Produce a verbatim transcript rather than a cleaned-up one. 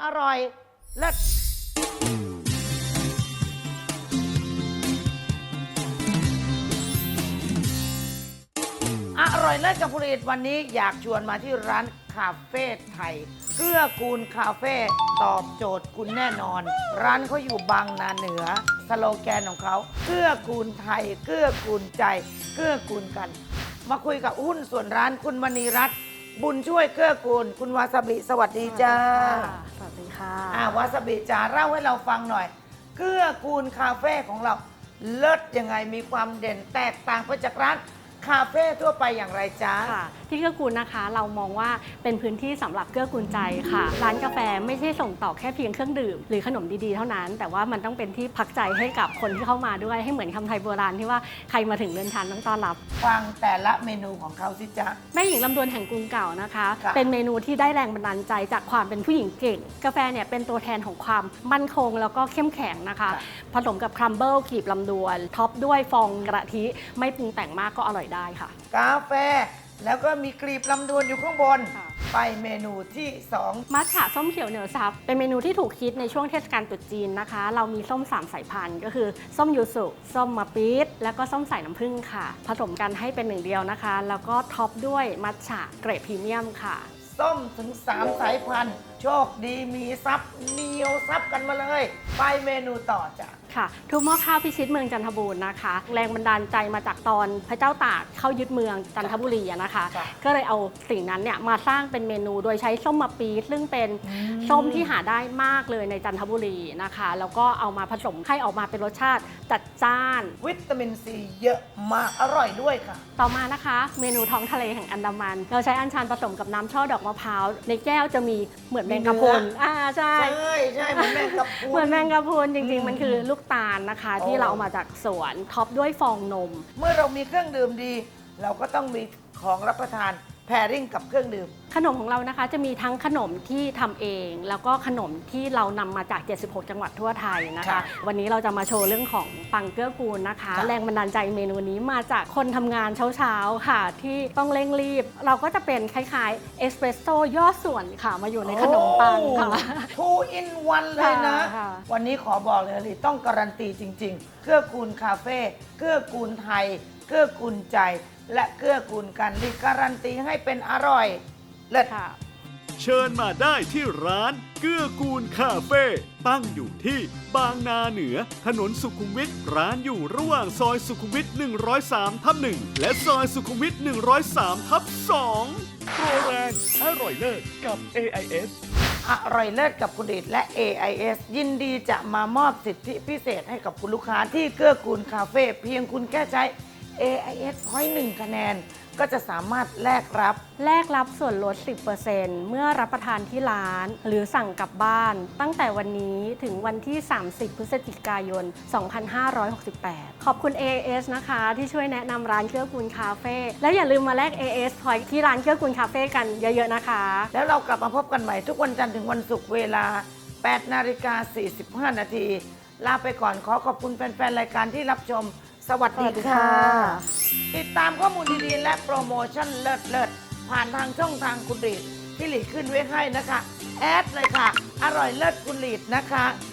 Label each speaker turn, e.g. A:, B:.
A: อร่อยเลิศอร่อยเลิศกับผลิตวันนี้อยากชวนมาที่ร้านคาเฟ่ไทยเกื้อกูลคาเฟ่ตอบโจทย์คุณแน่นอนร้านเขาอยู่บางนาเหนือสโลแกนของเขาเกื้อกูลไทยเกื้อกูลใจเกื้อกูลกันมาคุยกับหุ้นส่วนร้านคุณมณีรัตน์บุญช่วยเกื้อกูลคุณวาซาบิสวัสดีจ้า
B: สวัสดีค่ะ
A: อ่าวาซาบิจ๋าเล่าให้เราฟังหน่อยเกื้อกูลคาเฟ่ของเราเลิศยังไงมีความเด่นแตกต่างไปจากร้านคาเฟ่ทั่วไปอย่างไรจ๊ะ
B: ค่ะที่เกื้อกูลนะคะเรามองว่าเป็นพื้นที่สำหรับเกื้อกูลใจค่ะร้านกาแฟไม่ใช่ส่งต่อแค่เพียงเครื่องดื่มหรือขนมดีๆเท่านั้นแต่ว่ามันต้องเป็นที่พักใจให้กับคนที่เข้ามาด้วยให้เหมือนคำไทยโบราณที่ว่าใครมาถึงเรือนทานต้องต้อนรับ
A: ฟังแต่ละเมนูของเขาสิจ๊ะ
B: แม่หญิงลำดวนแห่งกรุงเก่านะคะเป็นเมนูที่ได้แรงบันดาลใจจากความเป็นผู้หญิงเก่งกาแฟเนี่ยเป็นตัวแทนของความมั่นคงแล้วก็เข้มแข็งนะคะผสมกับครัมเบิลกลีบลำดวนท็อปด้วยฟองกะทิไม่ปรุงแต่งมากก็อร่อยได้ค่ะ
A: กาแฟแล้วก็มีกลีบลำดวนอยู่ข้างบนไปเมนูที่สอง
B: มัทฉะส้มเขียวเหนียวซับเป็นเมนูที่ถูกคิดในช่วงเทศกาลตรุษจีนนะคะเรามีส้มสามสายพันธุ์ก็คือส้มยูสุส้มมะปี๊ดแล้วก็ส้มสายน้ำผึ้งค่ะผสมกันให้เป็นหนึ่งเดียวนะคะแล้วก็ท็อปด้วยมัทฉะเกรดพรีเมียมค่ะ
A: ส้มถึงสามสายพันธุ์โชคดีมีซับเหนียวซับกันมาเลยไปเมนูต่อจ้ะ
B: ค่ะทุบหม้อข้าวพิชิตเมืองจันทบูรณ์นะคะแรงบันดาลใจมาจากตอนพระเจ้าตากเข้ายึดเมืองจันทบุรีนะคะก็เลยเอาสิ่งนั้นเนี่ยมาสร้างเป็นเมนูโดยใช้ส้มมะปี๊ดซึ่งเป็นส้มที่หาได้มากเลยในจันทบุรีนะคะแล้วก็เอามาผสมให้ออกมาเป็นรสชาติจัดจ้าน
A: วิตามินซีเยอะมากอร่อยด้วยค่ะ
B: ต่อมานะคะเมนูท้องทะเลแห่งอันดามันเราใช้อัญชันผสมกับน้ำช่อดอกมะพร้าวในแก้วจะมีเหมือนแมงกะพรุนอ่าใช่
A: ใช่ใช่เหมือนแมงกะพรุน
B: เหมือนแมงกะพรุนจริงๆมันคือลูกตาลนะคะที่เราเอามาจากสวนท็อปด้วยฟองนม
A: เมื่อเรามีเครื่องดื่มดีเราก็ต้องมีของรับประทานแพริ่งกับเครื่องดื่ม
B: ขนมของเรานะคะจะมีทั้งขนมที่ทำเองแล้วก็ขนมที่เรานำมาจากเจ็ดสิบหกจังหวัดทั่วไทยนะคะวันนี้เราจะมาโชว์เรื่องของปังเกื้อกูลนะคะแรงบันดาลใจเมนูนี้มาจากคนทำงานเช้าๆค่ะที่ต้องเร่งรีบเราก็จะเป็นคล้ายๆเอสเปรสโซ่ย่อส่วนค่ะมาอยู่ในขนมปังค่ะ
A: two in one เลยนะวันนี้ขอบอกเลยเลยต้องการันตีจริงๆเกื้อกูลคาเฟ่เกื้อกูลไทยเกื้อกูลใจและเกื้อกูลกันรีการันตีให้เป็นอร่อยเลิศค่ะ
C: เชิญมาได้ที่ร้านเกื้อกูลคาเฟ่ตั้งอยู่ที่บางนาเหนือถนนสุขุมวิทร้านอยู่ระหว่างซอยสุขุมวิทหนึ่งร้อยสามทับหนึ่งและซอยสุขุมวิทหนึ่งร้อยสามทับสองโปรแรงอร่อยเลิศกับ เอ ไอ เอส
A: อร่อยเลิศกับคุณเดชและ เอ ไอ เอส ยินดีจะมามอบสิทธิพิเศษให้กับคุณลูกค้าที่เกื้อกูลคาเฟ่เพียงคุณแค่ใช้ เอ ไอ เอส Point หนึ่งคะแนนก็จะสามารถแลกรับ
B: แลกรับส่วนลด สิบเปอร์เซ็นต์ เมื่อรับประทานที่ร้านหรือสั่งกลับบ้านตั้งแต่วันนี้ถึงวันที่ สามสิบ พฤศจิกายน สองพันห้าร้อยหกสิบแปด ขอบคุณ เอ ไอ เอส นะคะที่ช่วยแนะนำร้านเกื้อกูลคาเฟ่แล้วอย่าลืมมาแลก เอ ไอ เอส Point ที่ร้านเกื้อกูลคาเฟ่กันเยอะๆนะคะ
A: แล้วเรากลับมาพบกันใหม่ทุกวันจันทร์ถึงวันศุกร์เวลา แปดนาฬิกาสี่สิบห้านาทีลาไปก่อนขอขอบคุณแฟนๆรายการที่รับชมสวัสดีค่ะติดตามข้อมูลดีๆและโปรโมชั่นเลิศๆผ่านทางช่องทางคุณลีดที่หลีดขึ้นไว้ให้นะคะแอดเลยค่ะอร่อยเลิศคุณลีดนะคะ